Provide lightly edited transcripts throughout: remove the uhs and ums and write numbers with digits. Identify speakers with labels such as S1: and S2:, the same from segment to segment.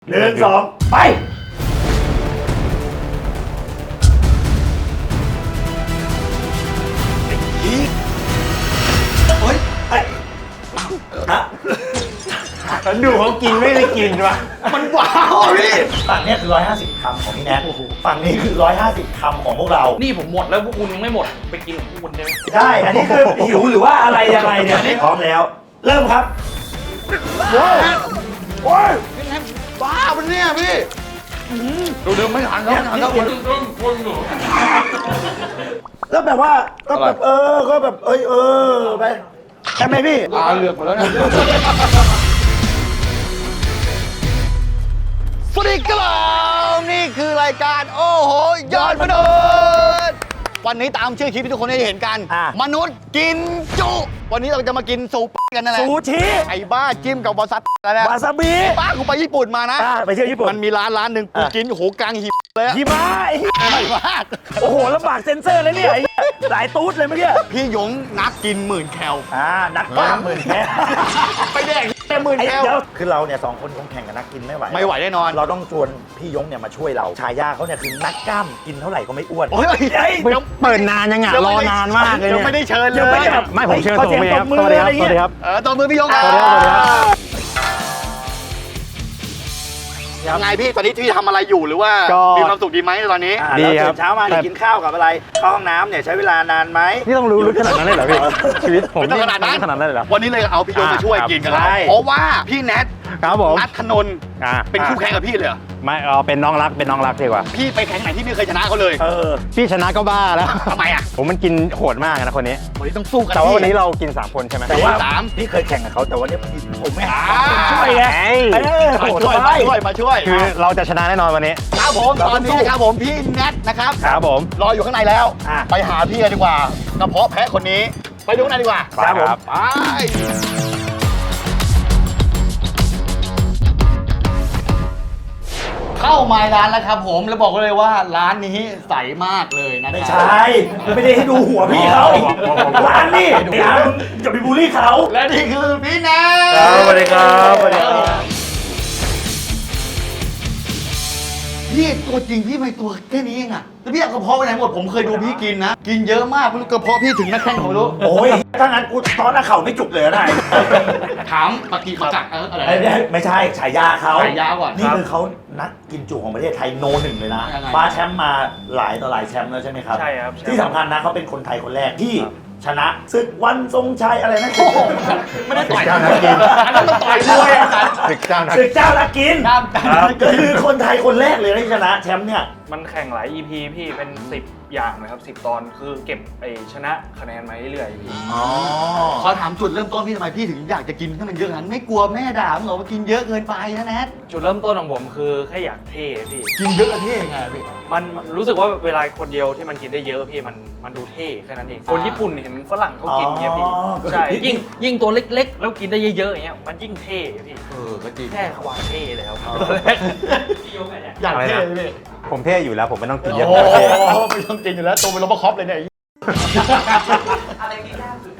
S1: 1 2ไปเฮ้ยฮะฉันดูเขากินไม่ได้กินวะมันว้าวพี่ฝั่งนี้คือ150 คำของพี่แนทฝั่งนี้คือ150 คำของพวกเรา
S2: นี่ผมหมดแล้วพวกคุณยังไม่หมดไปกินของพวกคุณได้ไหม
S1: ได้อันนี้คือหิวหรือว่าอะไรยังไงเนี่ยพร้อมแล้ว เริ่มครับโอ้ย
S3: บ้ามันเนี่ยพี่ดูไม่ทันแล้วไม่ทันแล้ว
S1: แล้วแบบว่าก็แบบก็แบบไปใช่ไหมพี่
S3: ตาเหลือกหมดแล้วเนี่ยสวัสดีครับนี่คือรายการโอ้โหยอดมนุษย์วันนี้ตามชื่อคลิปที่ทุกคนได้เห็นกัน มนุษย์กินจุ วันนี้เราจะมากินซูกันนั่นแหละ
S1: ซูชิ
S3: ไอ้บ้าจิ้มกับวาซาบิอะไรนะ
S1: วาซาบิ
S3: บ้ากูไปญี่ปุ่นมานะ
S1: ไปเที่ยวญี่ปุ่น
S3: มันมีร้านหนึ่งกูกินโอ้โหกลางหิมเลยอะ
S1: หิมะ
S3: ใหญ่มาก
S1: โอ้โหลำบากเซ็นเซอร์เลยเนี่ยหลายตูดเลยเมื่อกี้
S3: พี่หยงนักกิน10,000 แคล
S1: นักบ้า10,000 แคล
S3: ไปแดกแค่10,000 แคล
S1: เดี๋ยวคือเราเนี่ย2 คนคงแข่งกับนักกินไม่ไหว
S3: ไม่ไหวแน่นอน
S1: เราต้องชวนพี่ยงเนี่ยมาช่วยเราฉายาเขาเนี่ยคือนักกล้ามกินเท่าไหร่ก็ไม่อ้วน
S3: โอ้ย
S4: เปิดนานยังไงรอนานมากเลย
S3: ยัง
S4: เนี่ย
S3: ไม่ได้เชิญเลย
S1: ยังไม่ได้แบบ
S4: ไม่ผมเชิญส่งไปครับ
S1: ขอ
S4: สวัสดีครับ
S1: เสียงปรบมือ
S4: สวัสดีครับ
S3: ตบมือพี่ยงครับ
S4: สวัสดีครับสวัสดีครับ
S3: ยังไงพี่ตอนนี้พี่ทำอะไรอยู่หรือว่า
S4: ก็
S3: มีความสุขดีไหมตอนนี้
S4: ดี
S1: แล้ว
S4: ครั
S1: ตื่
S4: บ
S1: นเช้ามาเนี่ยกินข้าวกับอะไรเข้าห้องน้ำเนี่ยใช้เวลานานไหม
S4: นี่ต้องรู้ลึกขนาดนั้นเลยเหรอพี่ชีวิตผม
S3: ไม่ต้องขนาดนั้น
S4: ขนาดนั้นเลยเหรอ
S3: วันนี้เลยเอาพี่ยงมาช่วยกินกันแล้ว
S1: ใช่
S3: เพราะว่าพี่แนท
S4: ครับผม
S3: นัทธนนท์
S4: อ่า
S3: เป็นคู่แข่งกับพี่เลยเหรอ
S4: ไม่เป็นน้องรักดีกว่า
S3: พี่ไปแข่งไหนที่ไม่เคยชนะเขาเลย
S4: พี่ชนะก็บ้าแล้ว
S3: ทำไมอ่ะ
S4: ผมมันกินโหดมากนะคนนี้
S3: วันนี้ต้องสู้กัน
S4: แต่ว่าวันนี้
S3: พี่
S4: เรากิน3 คนใช่ไหม
S1: แต่ว่า
S3: สาม
S1: พี่เคยแข่งกับเขาแต่ว่าเนี่ยผมไม่หา
S3: อ่า
S1: ช่วยไง
S3: มาช่วยมาช่วย
S4: คือเราจะชนะแน่นอนวันนี้
S3: ครับผมตอนนี้นะครับผมพี่แนทนะครับ
S4: ครับผม
S3: รออยู่ข้างในแล้ว
S1: อ่ะ
S3: ไปหาพี่กันดีกว่ากระเพาะแพะคนนี้ ไปดูข้างในดีกว่า
S1: ครับผม
S3: ไปเข้ามาร้านแล้วครับผมแล้วบอกเลยว่าร้านนี้ใสมากเลยนะ
S1: ไม่
S3: ครั
S1: ใช่ไม่ได้ให้ดูหัวพี่เขาร้านนี่อย่าไปบูลลี่เขา
S3: และนี่คือพี่แนท
S4: สวัสดีครับสวัสดีครับ
S3: พี่ตัวจริงพี่ไม่ตัวแค่นี้เองอะแล้วพี่เอากระเพาะไปไหนหมดผมเคยดูพี่กินนะ กินเยอะมากไม่รู้กระเพาะพี่ถึงนักแข่งผมไม่รู้
S1: โอ้ยถ้างั้นกูตอนหน้าเข่าไม่จุกเลยนะ
S3: ถามปฏิมาจักอะไร
S1: ไม่ใช่ฉายาเขา
S3: ฉายาก่อน
S1: นี่
S3: ครับ
S1: คือเขานักกินจุของประเทศไทยโน1เลยนะ
S3: ยังไง
S1: คว้าแชมป์มาหลายต่อหลายแชมป์แล้วใช่ไหมครับ
S2: ใช่ครับ
S1: ที่สำคัญนะเขาเป็นคนไทยคนแรกที่ชนะศึกวันทรงชัยอะไรนะ
S3: ไม่ได้ต่อย
S4: เจ้านักกิน
S3: อันนั้นมันต่อยมวยอะกัน
S4: ศึกเจ้านัก
S1: ศึกเจ้านักกิน
S3: น้ำกัน
S1: ก็คือคนไทยคนแรกเลยที่ชนะแชมป์เนี่ย
S2: มันแข่งหลาย EP พี่เป็น 10 อย่างนะครับ10 ตอนคือเก็บชนะคะแนนมาเรื่อยๆพี่
S1: อ๋อ
S3: ขอถามจุดเริ่มต้นพี่ทำไมพี่ถึงอยากจะกินให้มันเยอะขนาดนั้นไม่กลัวแม่ด่ามึงเหรอว่ากินเยอะเกินไปนะแนท
S2: จุดเริ่มต้นของผมคือแค่อยากเท่พี่
S3: กินเยอะเท่ยังไงพี่
S2: มันรู้สึกว่าเวลาคนเดียวที่มันกินได้เยอะพี่มันดูเท่แค่นั้นเองคนญี่ปุ่นเห็นฝรั่งเขากินเงี้ยพี่ใช่ยิ่งตัวเล็กๆ แล้วกินได้เยอะๆอย่างเงี้ยมันยิ่งเท่พี่
S3: ก็จริง
S2: แค่ความเท่เลยครับตอนแรก
S3: อยากเท่เลย
S4: ผมเท่อยู่แล้วผมไม่ต้องกินเยอะ
S3: โอ้โหไม่ต้องกินอยู่แล้วตัวเป็นโรบอคอปเลยเนี่ย
S2: อะไรกินยากสุด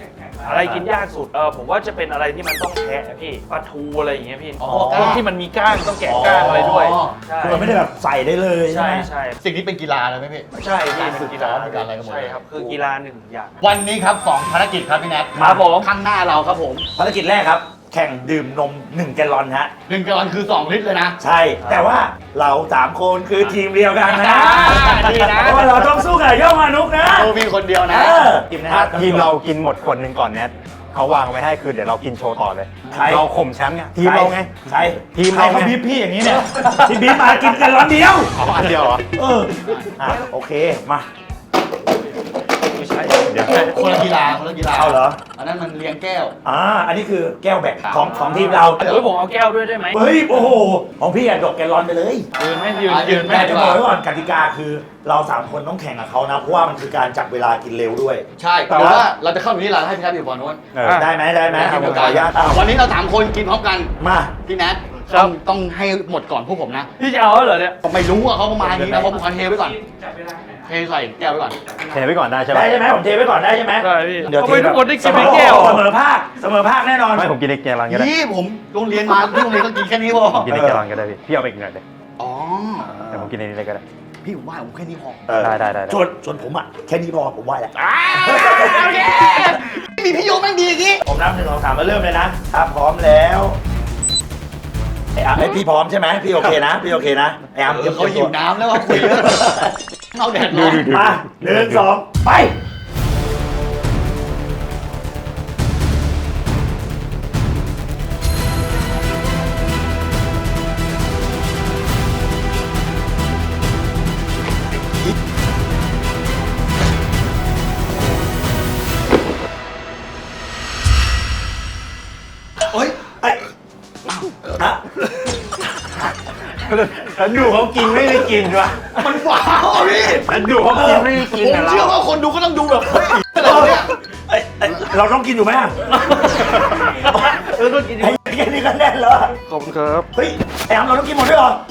S2: ผมว่าจะเป็นอะไรที่มันต้องแทะพี่ปลาทูอะไรอย่างเงี้ยพี่พวกที่มันมีก้างต้องแกะก้างอะไรด้วยใช่
S1: คือมันไม่ได้แบบใส่ได้เลยใช่
S2: ใช่
S1: ไหม
S2: ใช่
S3: สิ่งนี้เป็นกีฬาเลยไหมพี่
S2: ใช่พี่เป็นกีฬา
S3: เป็นการอะไรกันหมด
S2: ใช่ครับคือกีฬาหนึ่งอย่าง
S3: วันนี้ครับ2ภารกิจครับพี่แนท
S2: ครับผม
S3: ข้างหน้าเราครับผม
S1: ภารกิจแรกครับ แข่งดื่มนม1 แกลลอนฮะ
S3: 1 กรัมคือ2 ลิตรเลยนะ
S1: ใช่ แต่ว่าเรา3 คนคือทีมเดียวกันนะ
S3: ดีนะ
S1: เพราะว่าเราต้องสู้กับย่อมานุกนะ
S3: โตมีคนเดียวนะ
S1: ทีมนะครับ
S4: ทีมเรากินหมดคนหนึ่งก่อนแนทเขาวางไว้ให้คือเดี๋ยวเรากินโชว์ต่อเลย
S1: ใคร
S4: เราข่มแชมป์ไงทีมเราไง
S1: ใช่
S4: ทีม
S1: ใคร
S4: เราไง
S1: เขาบีบพี่อย่างนี้เนี่ยที่บีบมากินแกลลอนเดียว
S4: อ๋ออันเดียวเหรอ
S1: โอเคมา
S2: ไม่ใช่
S4: เดี๋ยว
S3: คนละกีฬา
S1: เอาเหรอ
S3: อันนั้นมันเลี้ยงแก้ว
S1: อันนี้คือแก้วแบกของทีมเรา
S2: เฮ้ยผมเอาแก้วด้วยได้ไหม
S1: เฮ้ยโอ้โหของพี่อะดกแกลลอนไปเลย
S2: ยืนไม่ยืน
S3: ยืน
S1: แต่จะบอกไว้ก่อนกติกาคือเรา3 คนต้องแข่งกับเขานะเพราะว่ามันคือการจับเวลากินเร็วด้วย
S3: ใช่แต่ว่าเราจะเข้าอยู่ที่ร้านให้พี่แนทอยู่บอลนู้น
S1: ได้ไหมได้ไหม
S3: ให้
S1: ข
S3: ผ
S1: อ
S3: ม
S1: อนุญาตเอา
S3: วันนี้เรา3 คนกินพร้อมกัน
S1: มา
S3: พี่แนทต้องให้หมดก่อนพวกผมนะ
S2: พี่จะเอาเหรอเนี่ย
S3: ผมไม่รู้ว่าเขาประมาณนี้นะผมขอเทไว้ก่อน
S2: จับเวลาไหน
S3: เทเทใส่แก้วไว้ก่อน
S4: เทไว้ก่อนได้ใช่ไหม
S1: ได้ใช่ไหมผมเทไว้ก่อนได้ใช่ไหม
S2: ใช่พี่
S1: เดี๋ยว
S2: ทำไมทุกคนได้กิน
S1: เสม
S2: เป็น
S1: อ
S2: แก้ว
S1: เสมอภาคแน่นอน
S4: ไม่ผมกินในแกลลอนก็ได้
S3: นี่ผมโรงเรียนมาที่โรงเรียนก็กินแค่นี้พอ
S4: ผมกินในแกลลอนก็ได้พี่เอาไปอีกหน่อยเลย
S3: อ๋อ
S4: แต่ผมกินในนี้เลยก็ได้
S3: พี่ผมว่าผมแค่นี้พอ
S4: ได้
S1: ส่วนผมอ่ะแค่นี้พอผมไหวแล้ว
S3: โอเคมีพี่โยแม่งดีอย่างงี้
S1: ผมนับ1 2 3มาเริ่มเลยนะถ้าพร้อมแล้วไอ้พี่พร้อมใช่ไหมพี่โอเคนะพี่โอเคนะไอ้อาร์มเตรียม
S3: เขา
S1: ตัว
S3: หิวน้ำแล้วว่าคุยเยอะเอาแดดร้อน
S1: มา1 2 ไป
S3: เฮ้ย
S1: ไอ้ฮะฉันดูเขากินไม่ได้กินวะ
S3: มันว้าวอะพี่
S1: ฉันดูเขากินไม่ได้กิน
S3: ผม
S1: อะ
S3: เชื่อ
S1: เรา
S3: ว่าคนดูก็ต้องดูแบบเฮ้ยอะไรวะเนี่ย
S1: เราต้องกินอยู่ไหมอะ
S2: ต้องกิน
S1: ไอ้แค่นี้ก็แน่นแล้วอะ
S2: ขอบคุณครับ
S1: เฮ้ยไอ้อาร์มเราต้องกินหมดด้วยเหรอ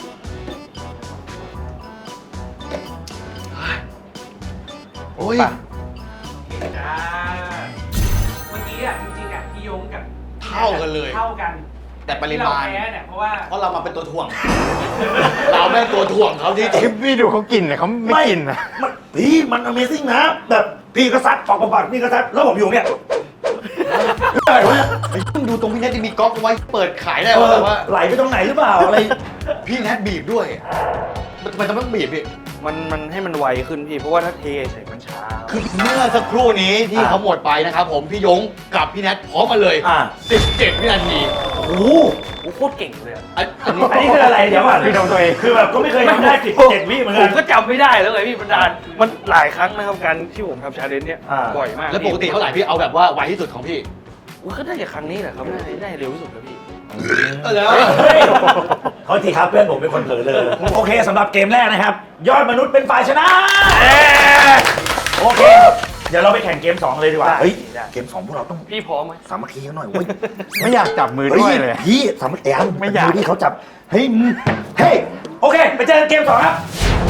S3: โอ้ย
S2: เมื่อกี้อ่ะจริงๆอ่ะพี่ยงกับ
S3: เท่ากันเลย
S2: เท่ากัน
S3: แต่ปริมาณ
S2: ที่เแพ้เนี่ยเพราะว่า
S3: เพราะเรามาเป็นตัวถ่วง เราแม่งตัวถ่วงเขาที่จริง
S4: พี่ดูเขากินเนี่ยเขาไม่กินนะ
S1: พี่มัน Amazing นะ แบบพี่ก็ซัดปอกพี่ก็ซัดแล้วผมอยู่เนี่ยอะไรวะเนี่ย
S3: ไอ้เพิ่งดูตรงพี่แนทที่มีก๊อกเอาไว้เปิดขายได้
S1: เอ
S3: ว่า
S1: อ
S3: แบบว่า
S1: ไหลไปตรงไหนหรือเปล่าอะไร
S3: พี่แนทบีบด้วยทำไมต้องบีบพี่
S2: มันให้มันไวขึ้นพี่ เพราะว่าถ้าเทใส่มันช้า
S3: คือเมื่อสักครู่นี้ที่เขาหมดไปนะครับผมพี่ยงกับพี่แนทพร้อมมาเลย
S1: อ่า
S3: 17 วินาที
S1: โอ้โห
S2: โอ้โคตรเก่งเลยอะ
S3: อันนี้
S1: อันนี้คืออะไรเดี๋ยวก่อน
S4: พี่ทำตัวเอง
S1: คือแบบก็ไม่เคยทำได้17 วิเหมือน
S2: ผ
S1: กั
S2: ม
S1: น
S2: ก็จำไม่ได้แล้วไงพี่บรรดาลมันหลายครั้งนะครับการที่ผมทำชาเลนจ์เนี่ย
S1: อ่า
S2: บ่อยมาก
S3: แล้วปกติเท่าไหร่พี่เอาแบบว่าไวที่สุดของพี่
S2: อุ๊ยก็ได้จากครั้งนี้แหละครับได้เร็วที่สุดแล้วพี่
S3: แล้ว
S1: เฮ้ยเขาทีครับเพื่อนผมเป็นคนเผลอเลยโอเคสำหรับเกมแรกนะครับ ยอดมนุษย์เป็นฝ่ายชนะโอเค เดี๋ยวเราไปแข่งเกม 2 เลยดีกว่า
S2: ได้
S1: เฮ้ย
S2: ได้
S1: เกม 2 พวกเราต้อง
S2: พี่พร้อมไหม
S1: สามัคคีกันหน่อยเว้ย
S4: ไม่อยากจับมือด้วยเลย
S1: พี่สามัคคีกัน
S4: ไม่อยาก
S1: ดูที่เขาจับเฮ้ยมึงเฮ้ยโอเค ไปเจอกันเกม 2 ครับ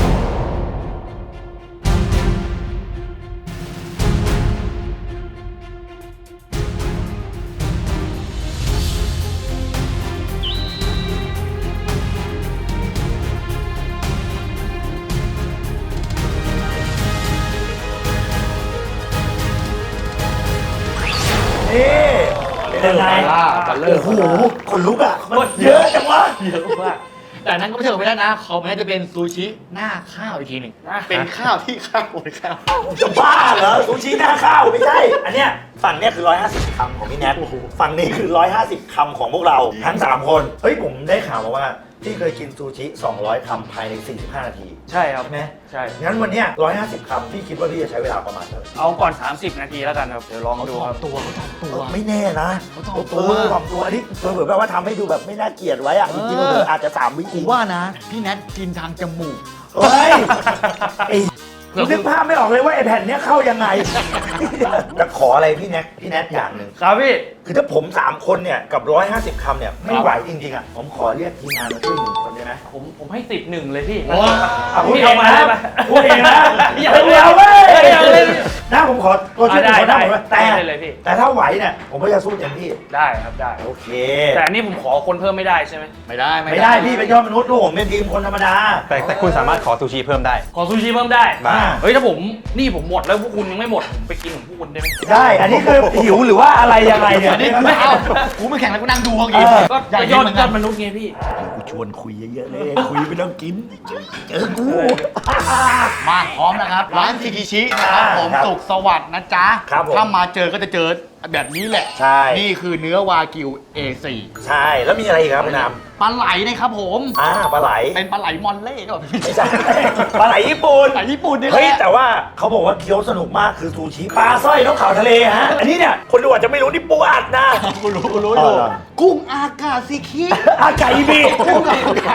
S1: นี่เป็นยังไง
S3: บัลเลอ
S1: โอ้
S3: ร์
S1: โหขนลุกอ่ะมันเยอะจังวะ
S2: เยอะมาก
S3: แต่นั้นก็ไม่ใช่ไม่ได้นะเขาแม้จะเป็นซูชิหน้าข้าวอีกทีหนึ่งเป็นข้าวที่ข้าวบนข้าว
S1: จะบ้าเหรอซูชิหน้าข้าวไม่ใช่ อันเนี้ยฝั่งเนี้ยคือ 150 คำของพี่แนทฝั่งนี้คือ 150 คำของพวกเราทั้ง 3 คน เฮ้ยผมได้ข่าวมาว่าพี่เคยกินซูชิ 200 คำภายใน 45 นาที
S2: ใช่ครับ
S1: ใช่ไหม
S2: ใช่
S1: งั้นวันเนี้ย150 คำพี่คิดว่าพี่จะใช้เวลาประมาณเท่าไหร่
S2: เอาก่อน 30 นาทีแล้วกันครับ เดี๋ยวลองดูครับ
S3: ตัวเขาทำตัว
S1: ไม่แน่นะ
S3: เขาถ่อมตัว
S1: ถ่อมตัวอันนี้เผื่อแบบว่าทำให้ดูแบบไม่น่าเกลียดไว้อะจริงๆเผื่ออาจจะ 3 วิ
S3: ผมว่านะ พี่แนทกินทางจมูก
S1: เฮ้ยไอ้นึกภาพไม่ออกเลยว่าไอ้แผ่นเนี้ยเข้ายังไง จะขออะไรพี่แนทอย่างหนึ่ง
S2: ครับพี่
S1: คือถ้าผม 3 คนเนี่ยกับ 150 คำเนี่ยไม่ไหวจริงๆอ่ะผมขอเรียกทีมงานมาช่วย1 คนได้ไหม
S2: ผมให้ติดหนึ่งเลยพี่
S3: โอ้
S1: พูด
S2: พี่
S1: เอง
S2: มา
S1: นะ
S2: ได้ปะ
S1: พูดเองนะ
S2: อย่า
S1: เดี๋ยวเว้ย
S2: อย่าเลย
S1: นะผมขอตัวช่วย
S2: ได้
S1: คนได้ไหมแต่
S2: ได้เลยพี่
S1: แต่ถ้าไหวเนี่ยผมก็จะสู้เต็มที่
S2: ได้ครับได้
S1: โอเค
S2: แต่อันนี่ผมขอคนเพิ่มไม่ได้ใช่ไหม
S3: ไม่ได้
S1: ไม่ได้พี่เป็นยอดมนุษย์ลูกผมเป็นทีมคนธรรมดา
S4: แต่คุณสามารถขอซูชิเพิ่มได้
S2: ขอซูชิเพิ่มได้
S1: บ้า
S2: เฮ้ยถ้าผมหมดแล้วพวกคุณยังไม่หมดผมไปกินของพวกคุณได้ไหม
S1: ได้อันนี้คือหิวหรือว่าอะไรยังไงเนี่ย
S3: อันนี้ไม่เอากูไม่แข่งแล้วกูนั่งดูเขากิน
S2: ก็
S3: อยาก
S2: ย
S3: กิน
S2: อด
S3: เหมือน
S2: ย
S3: กั
S2: อน ดมนุษย์ไงพี่
S1: กูชวนคุยเยอะๆเลยคุยไม่ต้องกินเจอกู
S3: มาพร้อมนะครับ ร้านซิกิชินะครับผม
S1: ครับ
S3: สุขสวัสดิ์นะจ๊ะ
S1: ครับผม
S3: ถ้ามาเจอก็จะเจอแบบนี้แหละ
S1: ใช่
S3: นี่คือเนื้อวากิว A4
S1: ใช่แล้วมีอะไรอีกครับพี่น้
S3: ปลาไหลนะครับผม
S1: ำปลาไหล
S3: เป็นปลาไหลมอนเล่ก็แบบ
S1: ไม่ใช่ปลาไหลญี่ปุ่น
S3: ปลาไหลญี่ปุ่นนี่แห
S1: เฮ้ย
S3: ละ
S1: แต่ว่าเขาบอกว่าเคี้ยวสนุกมากคือซูชิปลาสร้อยนกเขาทะเลฮะอันนี้เนี่ยคนดูอาจจะไม่รู้นี่ปูอัดนะ
S3: กูรู้อยู่
S1: เหรอ
S3: กุ้งอากาซิคิ
S1: อากาอีบี
S3: กุ้งอากา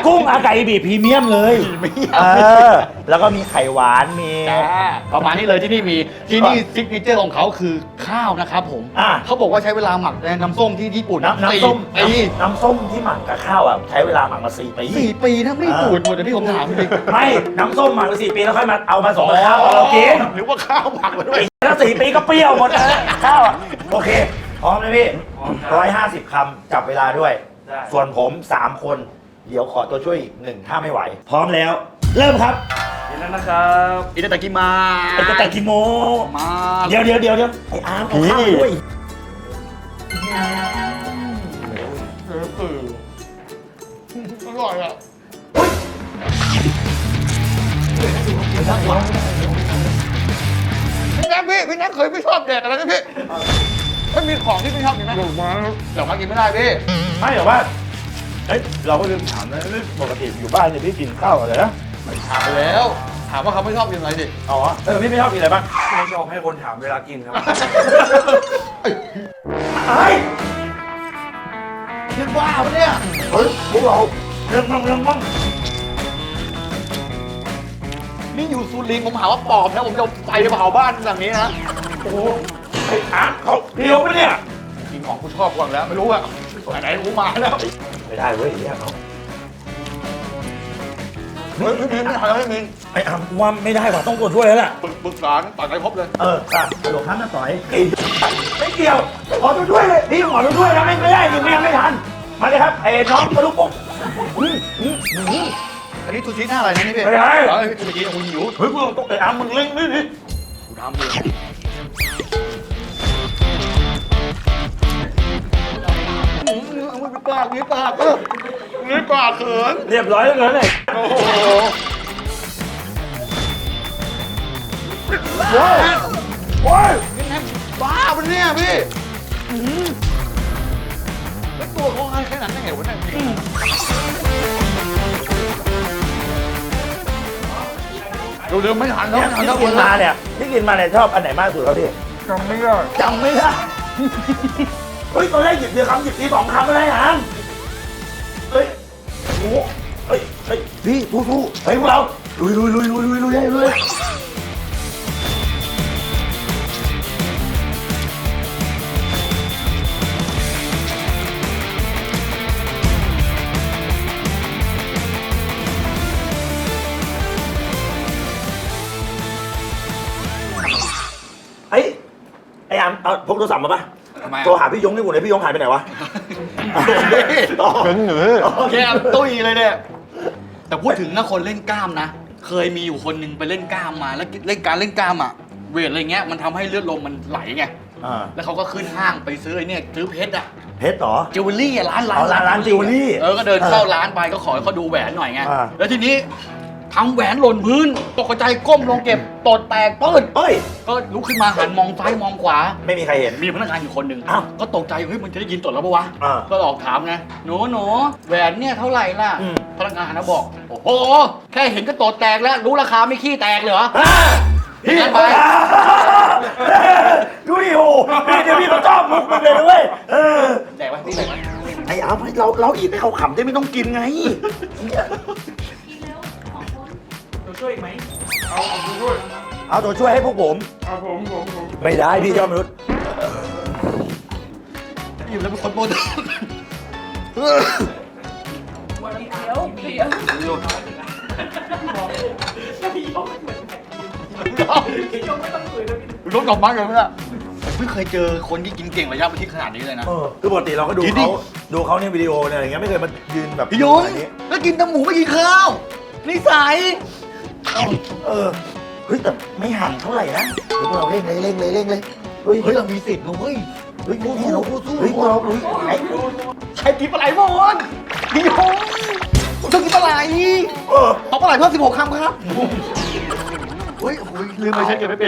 S1: กุ้งอาไก่บีพรีเมียมเลยแล้วก็มีไข่หวานมี
S3: ประมาณนี้เลยที่นี่มีที่นี่ซิกเนเจอร์ของเขาคือข้าวนะครับผมเขาบอกว่าใช้เวลาหมักในน้ำส้มที่ญี่ปุ่น
S1: น้ำส้ม
S3: ปี
S1: น้ำส้มที่หมักกับข้าวอ่ะใช้เวลาหมักมา4 ปี
S3: 4 ปีนะไม่ปูดหมดแต่ที่ผมถามจริง
S1: ไม่น้ำส้มหมักมา4 ปีแล้วค่อยมาเอามาส่งกับข้าวตอนเรากิน
S3: หรือว่าข้าวหมักมาด้วย
S1: แล้ว4 ปีก็เปรี้ยวหมดนะข้าวอ่ะโอเคพร้อมนะพี่150 คำจับเวลาด้วย ส่วนผม3 คนเดี๋ยวขอตัวช่วยอีก1ถ้าไม่ไหว พร้อมแล้ว เริ่มครับ
S2: เห็นแล้วนะครับ
S3: อิตาตากิมา
S1: ไอ้กระต่ายกิโม
S3: มา
S1: เดี๋ยวไอ้อาร์มเอาข้าวมาด้วย
S3: อร่อยอ่ะพี่แน็กเคยไม่ชอบแดกอะไรนะพี่ถ้ามีของที่ไม่ชอบกินไหมเดี๋ยวมากินไม่ได้พี่
S1: ไม่หรอกว่าเอ้ยเราก็ลืมถามนะปกติอยู่บ้านเนี่ยพี่กินข้าวอะไรนะ
S3: ถามไปแล้ว ถามว่าเขาไม่ชอบกินอะไรดิ
S1: อ๋อพี่ไม่ชอบกินอะไรบ้าง
S2: ไม่ชอบให้คนถามเวลากินครับ
S1: ไอ้
S3: คิดว่าปะเนี่ย
S1: เฮ้ยพวกเราเรื่องมั่ง
S3: นี่อยู่สุรินทร์ผมหาว่าปอบนะผมจะไปเผาบ้านหลังนี้นะ
S1: โอ้โหไอ้อาร์มเขาเดียวปะเนี่ย
S3: กินของกูชอบกว่าแล้วไม่รู้อะไหนๆกูมาแล้ว
S1: ไม่ได้เว้ยเนี่ยเขา
S3: ไม่มีไม่หาไม่มี
S1: ไอ้อาร์มว่าไม่ได้ว่ะต้องกดด้วยแล้วแหละ
S3: ปรึกษาตัดใจพบเลย
S1: ค่ะหลวงท่านน่ะต่อยไม่เกี่ยวขอตัวช่วยเลยพี่ขอตัวช่วยนะไม่ได้ยิงไม่ทันมาเลยครับไอ้น้องมาลุกปุ๊บ
S3: อันนี้ซูชิหน้าอะไรนะนี่พี่
S1: ไม่ได้
S3: ซูชิกูหิว
S1: เฮ้ยพวกเราต้องไอ้อาร์มมึงเล่งนี่ดิ
S3: กูทำเลยมีปากเขิน
S1: เรียบร้อยแล้วเลย
S3: โอ้โหโอ้ยบ้าปะเนี่ยพี่แล้วตัวเขาให้แค่นั้นได้ไงวะเนี่ยเราเดินไม่ทันแล้ว
S1: เนี่ยที่กินมาเนี่ยชอบอันไหนมากสุดครับพี่
S2: จำไม่ได้
S1: จำไม่ได้เฮ้ยตอนแรกหยิบเดียวคำหยิบที2 คำอะไรอ่ะเฮ้ยโอ้โหเฮ้ยพี่สู้เฮ้ยพวกเราลุยไอ้อาร์มเอาพกโทรศัพท์มาปะ
S3: ทำไม
S1: โทรหาพี่ยงนี่กูไหนพี่ยงหายไปไหนวะ
S4: เป็นหรือ
S3: แค่ตุ้ยเลยเนี่ย แต่พูดถึงนะคนเล่นกล้ามนะ เคยมีอยู่คนหนึงไปเล่นกล้ามมาแล้วเล่นกล้ามอ่ะ เวทอะไรเงี้ยมันทำให้เลือดลมมันไหลไง แล้วเขาก็ขึ้นห้างไปซื้อไอ้เนี่ยซื้อเพชรอ่ะ
S1: เพชรเหรอ
S3: จิวเวลรี่อะร้าน
S1: อ๋อร้านจิวเวลรี่
S3: ก็เดินเข้าร้านไปก็ขอให้เขาดูแหวนหน่อยไง
S1: อ่า
S3: แล้วทีนี้ทำแหวนหล่นพื้นตกใจก้มลงเก็บตดแตกปื้ด
S1: เฮ้ย
S3: ก็ลุกขึ้นมาหันมองซ้ายมองขวา
S1: ไม่มีใครเห็น
S3: มีพนักงานอยู่คนหนึ่ง
S1: อ้าว
S3: ก็ตกใจเฮ้ยมันจะได้ยินตดแล้วปะวะ
S1: อ่า
S3: ก็หลอกถามไงหนูแหวนเนี่ยเท่าไหร่ล่ะ
S1: อืม
S3: พนักงานนะบอก โอ้โห แค่เห็นก็ตดแตกแล้ว รู้ราคาไม่ขี้แตกเหรอ
S1: พี่
S3: งั้นไป
S1: ดูดิโอ้พี่เดี๋ยวพี่มาชอบมุกมึงเลยนะเว้ย
S3: แตกไหมพี่แตกไหม
S1: ไอ้อาร์มเราอีกให้เขาขำได้ไม่ต้องกินไง
S2: ตัวช่วยอีกไหม
S1: เอาตัวช่วยให้พวกผม
S2: เอาผม
S1: ไม่ได้พี่ยอดมนุษย์
S3: อยู่แล้วเป็นคนโปรตีน รถกลับบ้านกันไหมล่ะไม่เคยเจอคนที่กินเก่งระยะประชิดขนาดนี้เลยนะ
S1: คือปกติเราก็ดู
S3: กินดิ
S1: เขาเนี่ยวิดีโอเนี่ยอะไรเงี้ยไม่เคยมายืนแบบ
S3: พี่ยง
S1: แบบนี้
S3: แล้วกินแต่หมูไม่กินข้าวนิสัย
S1: เฮ้ยแต่ไม่ห่างเท่าไหร่นะเดี๋ยวพวกเราเร่งเลยเฮ้ย
S3: เฮ้ยเรามีสิทธิ์นะเว้ย
S1: เฮ้ยเราสู้เฮ้ยพวกเราเฮ้ยไอ้
S3: ใครกินปลาไหลหมดพี่ยงผมต้องกินปลาไหล
S1: เออ
S3: เอาปลาไหลเพิ่ม16 คำครับเฮ้ยลืมไปใช้เก็บไม่เป็น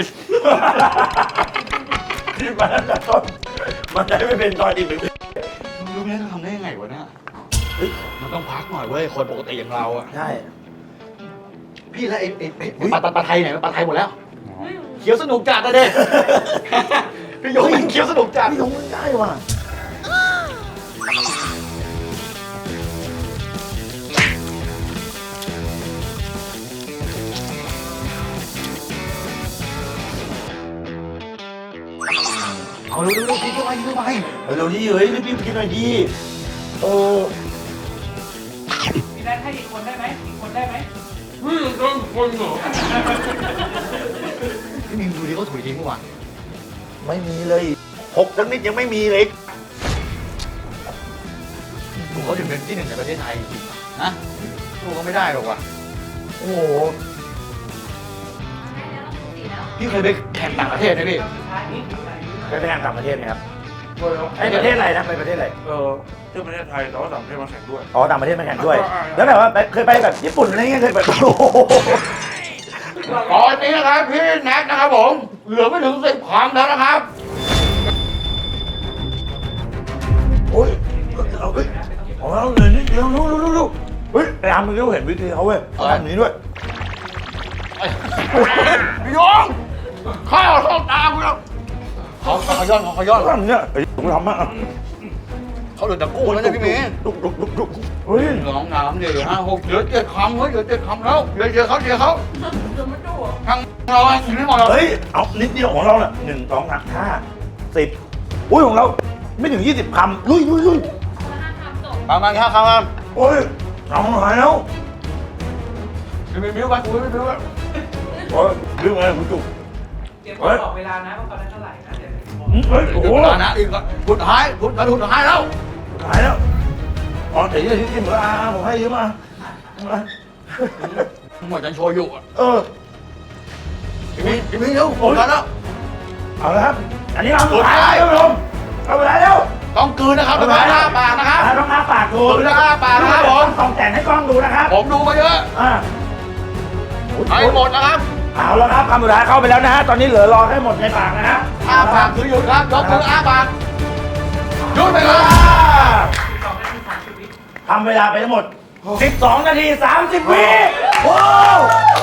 S1: ที่มาตั้งแต่ต้นมันได้ไม่เป็นตอนอีกหนึ่ง
S3: รู้ไหมเขาทำได้ยังไงวะเนี่ย
S1: เฮ้ย
S3: มันต้องพักหน่อยเว้ยคนปกติอย่างเราอะ
S1: ใช่
S3: พี่แล้วไอ้ปลาไทยไหนปลาไทยหมดแล้วเขียวสนุกจัดนะเด็กพี่ยงมันเขียวสนุกจัด
S1: พี่ยงไม่ได้ว่ะ
S3: เอาเร็วๆกินเข้าไปกินเข้าไป
S1: เร็วๆดิเฮ้ยรีบๆกินหน่อยดิเออ
S2: พี่แดนให้อีกคนได้ไหมอีกคนได้ไหม
S3: พี่มิงดูดิเขาถุยทิ้งเมื่อวาน
S1: ไม่มีเลยหกสักนิดยังไม่มีเลย
S3: ดูเขาถึงเป็นที่หนึ่งในประเทศไทยจริงๆนะดูเขาไม่ได้หรอกว่ะ
S1: โอ้โห
S3: พี่เคยไปแข่งต่างประเทศไหมพี่
S1: ไปแข่งต่างประเทศไหมครับไอ้ประเทศอะไรนะไปประเทศอะไร
S5: ที่ประเทศไทยแต่ว่าต่างประเทศมาแข่งด้วย
S1: อ๋อต่างประเทศมาแข่งด้วย แล้วแบบว่าเคยไปแบบญี่ปุ่นอะไรเงี้ยเคยแบบโอ้โห
S3: ตอนนี้นะครับพี่แน็กนะครับผม เหลือไม่ถึง10 คำแล้วนะครับ
S1: โอ้ยเอาเฮ้ยของเราเลยนี่เร็วเฮ้ยไอ้อาร์มมึงรู้เห็นวิธีเขาเว้ยเขาทำอย่างนี้ด้วย
S3: พี่ยงข้าวเข้าตาคุณแล้วเขาย้อน
S1: เขาทำอย่างนี้ไอ้ผมทำมาก
S3: เขาเหลือแต่กุ้งแล้วเนี่ยพี่เมย์
S1: ดุเฮ้ย
S3: น้องน้ำเดี๋ยว5 6เหลือ7 คำเฮ้ยเหลือ7 คำแล้วเดี๋ยวเขาทางเราอยู่ไม่หมดหรอก
S1: เฮ้ยเอานิดเดียวของเราน่ะ1 2 3 5 10อุ้ยของเราไม่ถึง20 คำลุย
S3: ประมาณ5 คำครับ
S1: โอ้ยเอาหายแล้ว
S3: พี่มิ้วไปกูไม่มิ้วไป
S1: โอ้ยลืมอะไรคุณจุก
S2: เตรียมบอกเวลานะว่าตอนนั้นเท่าไหร่นะเดี๋ยว
S1: เฮ้ยโอ้โห
S3: ตอนนั้นอีกสุดท้ายแล้ว
S1: หายแล้วอ๋อแต่ยี่ที่เหมือนอาผมให้ยืมมา
S3: หมดจะโชว์อยู่
S1: เออ
S3: พี่มิ้วเร็วหมดแล้ว
S1: เอาละครับอันนี้เราสุดท้ายแล้วท่านผู้ชมเอาเวลาแล้ว
S3: ต้องกลืนนะครับต้องอ้าปากนะครับ
S1: ต้องอ้าปากดู
S3: ต้องอ้าปากนะครับผม
S1: ต้องแต่งให้กล้องดูนะครับ
S3: ผมดูมาเยอะ
S1: อ่า
S3: ให้หมดนะครับ
S1: เอาแล้วครับคำสุดท้ายเข้าไปแล้วนะฮะตอนนี้เหลือรอให้หมดในปากนะฮะ
S3: อ้าปากคือหยุดครับยกมืออ้าปากหยุดไปครับ
S1: ทำเวลาไปทั้งหมด 12 นาที 30 วิว้าว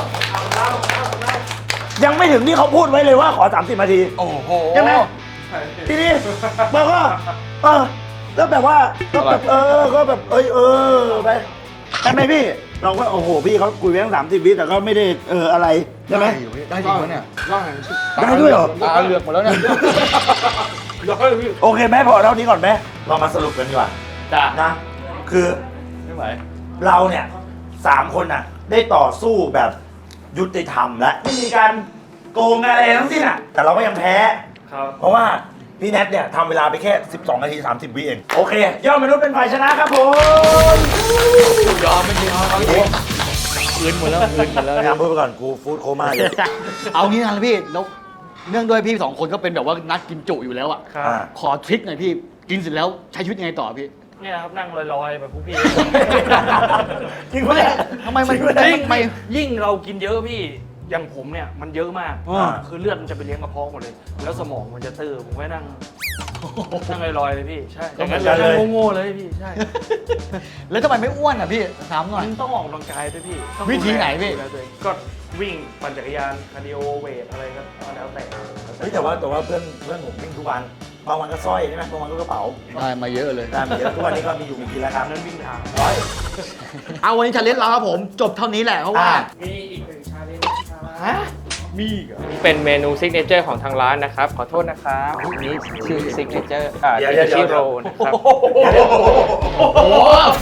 S1: ยังไม่ถึงที่เขาพูดไว้เลยว่าขอ 30 นาที
S3: โอ้โห
S1: ใช่ไหมทีนี้เราก็แล้วแบบว่าก็แบบก็แบบไปใช่ไหมพี่ เราก็โอ้โหพี่เขาคุยไปตั้ง30 วิแต่ก็ไม่ได้อะไรใช่ไหม
S3: ได้จริงไหมเนี่ย
S1: ได้ด้วยเหรอ
S3: ตาเหลือกหมดแล้วเนี่ย
S1: โอเคไหมพอเท่านี้ก่อนไหมเรามาสรุปกันดีกว่า
S3: จ้า
S1: นะคือ
S3: ไม่ไหว
S1: เราเนี่ย3 คนน่ะได้ต่อสู้แบบยุติธรรมและไม่มีการโกงอะไรทั้งสิ้นอ่ะแต่เราก็ยังแพ้
S2: ครับ
S1: เพราะว่าพี่แนทเนี่ยทำเวลาไปแค่ 12 นาที 30 วิเอง โอเค ยอดมนุษย์เป็นฝ่ายชนะครับผม
S3: ยอมไม่จริงเอาจริงคืนหมดแล้ว
S1: พยายามพูดไปก่อนกูฟู้ดโคม่าเลย
S3: เอางี้นะพี่แล้วเนื่องด้วยพี่2 คนก็เป็นแบบว่านักกินจุอยู่แล้วอ่ะ
S2: ครับ
S3: ขอทริคหน่อยพี่กินเสร็จแล้วใช้ชีวิตยังไงต่อพี่
S2: เนี่ยครับนั่งลอยๆแบบพวกพี่
S1: จริงปะเนี่ย
S3: ทำไมมัน
S1: จริงปะเนี่ย
S2: ยิ่งเรากินเยอะพี่ อย่างผมเนี่ยมันเยอะมาก
S3: อ่า
S2: คือเลือดมันจะไปเลี้ยงกระเพาะหมดเลย แล้วสมองมันจะตื้อผมก็นั่งลอยๆเลยพี่ ใช่
S1: อย่างนั้นเลย
S2: นั่งโง่ๆเลยพี่ ใช่
S3: แล้วทำไมไม่อ้วนอ่ะพี่ถามหน่อย
S2: มันต้องออกกำลังกายด้วยพี่ต้อง
S3: วิธีไหนพี่
S2: ดูแลตัวเองก็วิ่งปั่นจักรยานคาร์ดิโอเวทอะไรก็แล้วแต่
S1: เฮ้ยแต่ว่าเพื่อนผมวิ่งทุกวันบางวันก็สร้อยใช่ไหมบางวันก็กระเป๋า
S3: ได้มาเยอะเลย
S1: ได้มาเยอะทุกวันนี้ก็มีอยู่มีกินแล้วครับ
S2: นั้นวิ่งทาง
S3: เอาวันนี้ชาเลนจ์เราครับผมจบเท่านี้แหละเพราะว่า
S2: มีอีกหนึ่งชาเลนจ์มีอีกเหรอนี่เป็นเมนูซิกเนเจอร์ของทางร้านนะครับ ขอโทษนะครับนี่ชื่อซิกเนเจอร์ชิโรนะครับ
S3: โอ้โห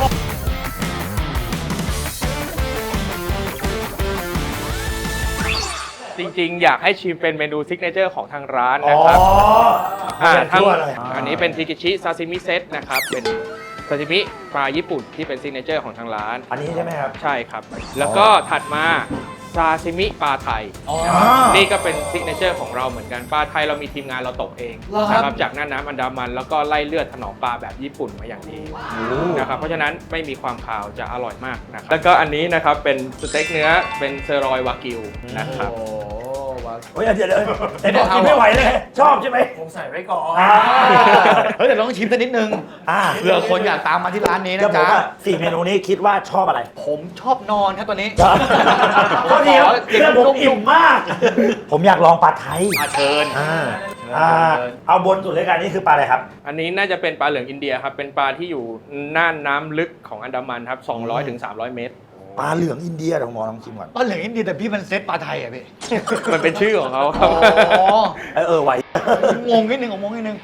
S2: จริงๆ อยากให้ชิมเป็นเมนูซิกเนเจอร์ของทางร้าน
S1: อ๋อ
S2: นะครับ
S1: ทั้ง
S2: อันนี้เป็นทิกิชิซาซิมิเซตนะครับ เป็นซาซิมิปลาญี่ปุ่นที่เป็นซิกเนเจอร์ของทางร้าน
S1: อันนี้ใช่ไหมครับ
S2: ใช่ครับ แล้วก็ถัดมาซาซิมิปลาไทย นี่ก็เป็นซิกเนเจอร์ของเราเหมือนกัน ปลาไทยเรามีทีมงานเราตกเองนะครับจากน่านน้ำอันดามัน แล้วก็ไล่เลือดถนอมปลาแบบญี่ปุ่นมาอย่างดีนะครับ เพราะฉะนั้นไม่มีความขาวจะอร่อยมากนะครับ แล้วก็อันนี้นะครับเป็นสเต็กเนื้อเป็นเซอร์รอยวากิวนะครับ
S1: เฮ้ยเดี๋ยวแต่บอกกินไม่ไหวเลยชอบใช่ไหม
S2: ผมใส่ไว้ก่อน
S3: เฮ้ยแต่ต้องชิมสักนิดนึงเผื่อคนอยากตามมาที่ร้านนี้
S1: จะ
S3: นะ
S1: บอก
S3: จ๊ะ
S1: ว่า4 เมนูนี้คิดว่าชอบอะไร
S3: ผมชอบนอนครับตัวนี้
S1: ก็ดีครับเพื่อนผมอิ่มมาก ผมอยากลองปลาไทย
S3: เชิญ
S1: เอาบนสุดเลยกันนี่คือปลาอะไรครับ
S2: อันนี้น่าจะเป็นปลาเหลืองอินเดียครับ เป็นปลาที่อยู่น่านน้ำลึกของอันดามันครับ 200 ถึง 300 เมตร
S1: ปลาเหลืองอินเดียเดี๋ยวหมอลองชิมก่อน
S3: ปลาเหลืองอินเดียแต่พี่มันเซตปลาไทยอ่ะพี่
S2: มันเป็นชื่อของเขาครับ
S3: อ๋อ
S1: ไหว
S3: งงนิดนึงงงนิดนึง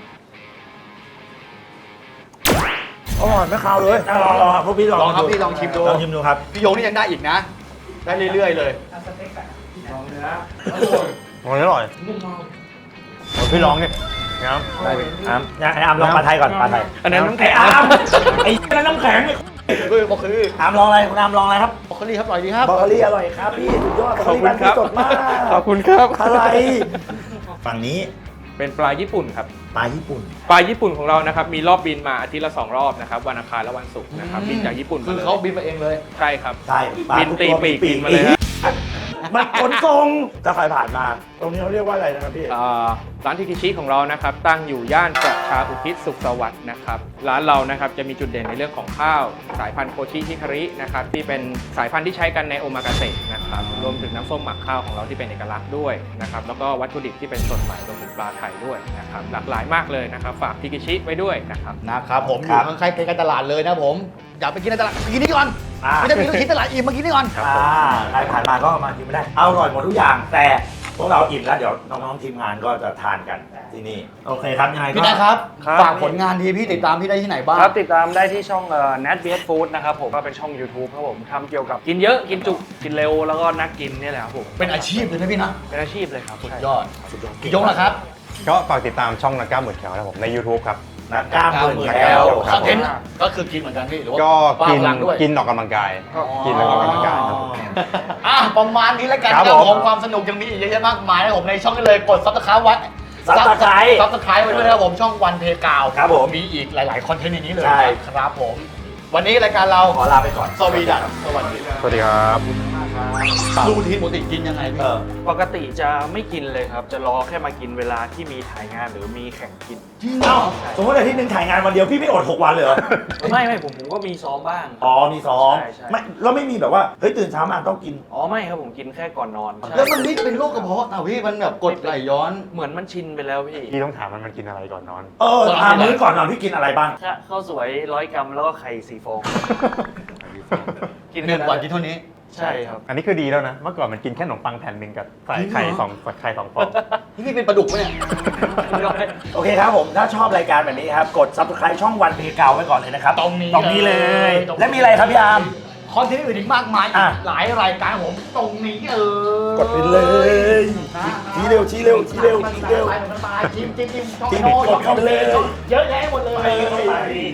S1: อร่อยไม่คาวเลยลองครับพวกพี่ลอง
S3: ลองครับพี่ลองชิมดู
S1: ลองชิมดูครับ
S3: พี่โยงนี่ยังได้อีกนะ ได้เรื่อยๆเลย
S4: อร่อยพี่ลองนี่น้ำ
S1: ได้อามลองปลาไทยก่อนปลาไทย
S2: อันนั้นน้ำแข็ง
S1: อามไอ้นั่นน้ำแข็ง
S3: บอกคือ
S1: อามลองอะไรคุณอามลองอะไรครับ
S3: บอกคือครับอร่อยดีครับ
S1: บรอกโคลีอร่อยครับพี่สุดยอด
S2: ขอบคุณครับ
S1: สดมาก
S2: ขอบคุณครับ
S1: อะไรฝั่งนี้
S2: เป็นปลาญี่ปุ่นครับ
S1: ปลาญี่ปุ่น
S2: ปลาญี่ปุ่นของเรานะครับมีรอบบินมาอาทิตย์ละ2 รอบนะครับวันอังคารและวันศุกร์นะครับบินจากญี่ปุ่น
S3: คือ
S2: ลย
S3: เขาบินมาเองเลย
S2: ใช่ครับ
S1: ใช่ปลา
S2: บินตีปีกบินมาเลยฮะ
S1: มันขนส่งถ้าใครผ่านมา ตรงนี้เขาเรียกว่าอะไรนะครับพี่
S2: ร้านทิคิชิของเรานะครับตั้งอยู่ย่านประชาอุทิศสุขสวัสดิ์นะครับร้านเรานะครับจะมีจุดเด่นในเรื่องของข้าวสายพันธุ์โคชิฮิคารินะครับที่เป็นสายพันธุ์ที่ใช้กันในโอมากาเสะนะครับรวมถึงน้ำส้มหมักข้าวของเราที่เป็นเอกลักษณ์ด้วยนะครับแล้วก็วัตถุดิบที่เป็นสดใหม่รวมถึงปลาไทยด้วยนะครับหลากหลายมากเลยนะครับฝากทิคิชิไว้ด้วยนะครับ
S3: นะครับผมอ
S1: ครั
S3: ยู่
S1: บ
S3: ข้างใกล้ๆกันตลาดเลยนะผมอยากไปกินในตลาดไปกินนี่ก่อน ไม่ได้มีลูกชิ้นตลาดอิ่มมากินนี่ก่อน
S1: ใครผ่านมาก็มากินไม่ได้อร่อยหมดทุกอย่าง แต่พวกเราอิ่มแล้วเดี๋ยวน้องๆทีมงานก็จะทานกันที่นี่โอเคครับยังไงก็
S3: พี่นะครับ
S5: ครับ
S3: ฝากผลงานดีพี่ติดตามพี่ได้ที่ไหนบ้าง
S5: ครับติดตามได้ที่ช่องNat BS Food นะครับผมก็เป็นช่อง YouTube ครับผมทำเกี่ยวกับกินเยอะกินจุกกินเร็วแล้วก็นักกินนี่แหละครับผม
S3: เป็นอาชีพเลยนะพี่นะ
S5: เป็นอาชีพเลยครับ
S3: สุดยอดยงนะครับ
S4: ก็ฝากติดตามช่องนักกล้ามหมื่นแคลนะครับผมใน YouTube ครับ
S1: นักกล้ามหมื่นแคล
S3: คอนเทนต์ก็คือกินเหมือนกันพี่หรือว่า
S4: ก็
S3: บ้า
S4: กิน
S3: พลังด้วย
S4: กินออกกำลังกายกินแล้วก็ออกกำลังกายครับผม
S3: ประมาณนี้แล้วกัน
S4: ครับ
S3: ครับ
S4: ผม
S3: ผมความสนุกยังมีอีกเยอะแยะมากมายนะผมในช่องนี้เลยกดซับสไครต์ไว้
S1: Subscribe
S3: ซับสไครต์ไว้ด้วยนะครับผมช่องวันเพกาว
S1: ครับผม
S3: มีอีกหลายๆคอนเทนต์ในนี้เลย
S1: ใช่
S3: ครับผม วันนี้รายการเรา
S1: ขอลาไปก่อน
S3: สวีดัสสวัสดี
S4: สวัสดีครับ
S3: รูทีนปกติกินยังไงพี่
S5: ปกติจะไม่กินเลยครับ จะรอแค่มากินเวลาที่มีถ่ายงานหรือมีแข่งกิน
S3: จริงเหร
S1: เอ้า
S3: อ
S1: สมมติอาทิตย์หนึ่งถ่ายงานวันเดียวพี่ไม่อด 6 วันเลยเหรอ
S5: ไม่ผมก็มีซ้อมบ้าง
S1: อ๋อมีซ้อม
S5: ใช่
S1: ไม่แล้วไม่มีแบบว่าเฮ้ยตื่นเช้ามาต้องกิน
S5: อ๋อไม่ครับผมกินแค่ก่อนนอน
S3: แล้วมันไม่เป็นโรคกระเพาะนะพี่มันแบบกดไหลย้อน
S5: เหมือนมันชินไปแล้วพี่
S4: พี่ต้องถามมันกินอะไรก่อนนอน
S1: มื้อก่อนนอนพี่กินอะไรบ้าง
S5: ข้าวสวย100 กรัมแล้วก็ไข่4 ฟอง กิน
S3: หนึ่งวันกินเท่านี้
S5: ใช่ครับ
S4: อันนี้คือดีแล้วนะ เมื่อก่อนมันกินแค่ขนมปังแผ่นหนึ่งกับใส่ไข่สองฟอง
S3: นี่พี่เป็นปลาดุกปะเนี่ย
S1: โอเคครับผม ถ้าชอบรายการแบบนี้ครับ กด subscribe ช่องวันเพกาวไว้ก่อนเลยนะครับ
S3: ตรงนี้
S1: ตรงนี้เลย
S3: ตรงนี้
S1: และมีอะไรครับพี่อาร์ม
S3: คอนเทนต์อื่นอีกมากมาย
S1: อ่ะ
S3: หลายรายการผมตรงนี้เลย
S1: กดไปเลยชี้เร็วชี้เร็วชี้เร็วชี้เร็ว
S3: จิ้มช่อง
S1: จิ้ม
S3: โน้
S1: กดเข้าไปเลย
S3: เยอะแยะหมดเลย
S1: ไป